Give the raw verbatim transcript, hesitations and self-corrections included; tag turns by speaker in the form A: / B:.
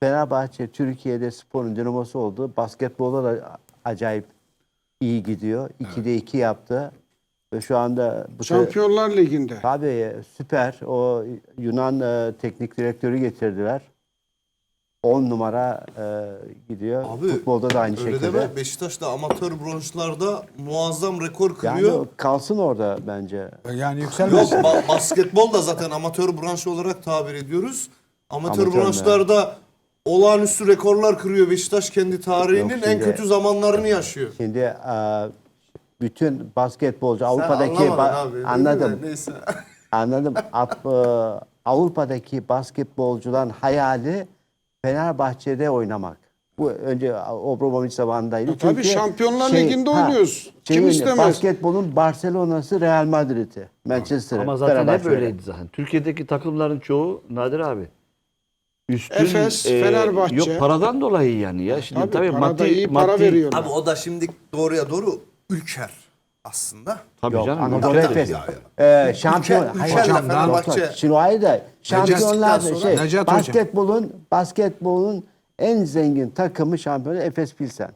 A: Fenerbahçe Türkiye'de sporun dinamosu oldu. Basketbolda da acayip iyi gidiyor. ikide iki yaptı. Ve şu anda bu
B: Şampiyonlar Ligi'nde.
A: tabii süper. O Yunan e, teknik direktörü getirdiler. on numara e, gidiyor.
C: Abi,
A: Futbolda da aynı
C: öyle
A: şekilde.
C: deme. Beşiktaş da amatör bronşlarda muazzam rekor
A: Yani
C: kırıyor.
A: o kalsın orada bence.
D: Yani
C: Yok
D: yükselmez.
C: ba- basketbol da zaten amatör branş olarak tabir ediyoruz. Amatör,
A: Amatör mü?
C: branşlarda olağanüstü rekorlar kırıyor. Beşiktaş kendi tarihinin
A: Yok,
C: en
A: şimdi-
C: kötü zamanlarını yaşıyor.
A: Şimdi e, bütün basketbolcu Avrupa'daki
C: Sen anlamadın
A: ba-
C: abi.
A: anladım.
C: Neyse.
A: Anladım. Ap- e, Avrupa'daki basketbolcuların hayali Fenerbahçe'de oynamak. Bu önce Obramovich zamanındaydı.
B: Ya tabii
A: Çünkü
B: Şampiyonlar Ligi'nde oynuyoruz. Kim
A: şeyin,
B: istemez?
A: Basketbolun Barcelona'sı, Real Madrid'i, Manchester'ı.
E: Ama zaten hep
A: Fenerbahçe öyle.
E: öyleydi zaten. Türkiye'deki takımların çoğu Nadir abi. Üstün,
B: Efes, Fenerbahçe.
E: Yok paradan dolayı yani ya. Şimdi
B: Tabii,
E: tabii,
B: para da
E: maddi,
B: iyi para
E: maddi,
B: veriyorlar.
C: Abi o da şimdi doğruya doğru ülker aslında.
E: Tabii
A: Yok,
E: canım.
A: Anadolu
E: ülkedir.
A: Efes.
C: ya.
A: Ee, şampiyon.
C: Ülke-
A: Hayır,
C: ülkeyle
A: yok, yok.
C: Fenerbahçe-
A: Şimdi o ayrı da şampiyonlar
C: Necati-
A: şey,
D: Necati Hocam.
A: basketbolun basketbolun en zengin takımı şampiyonu Efes Pilsen.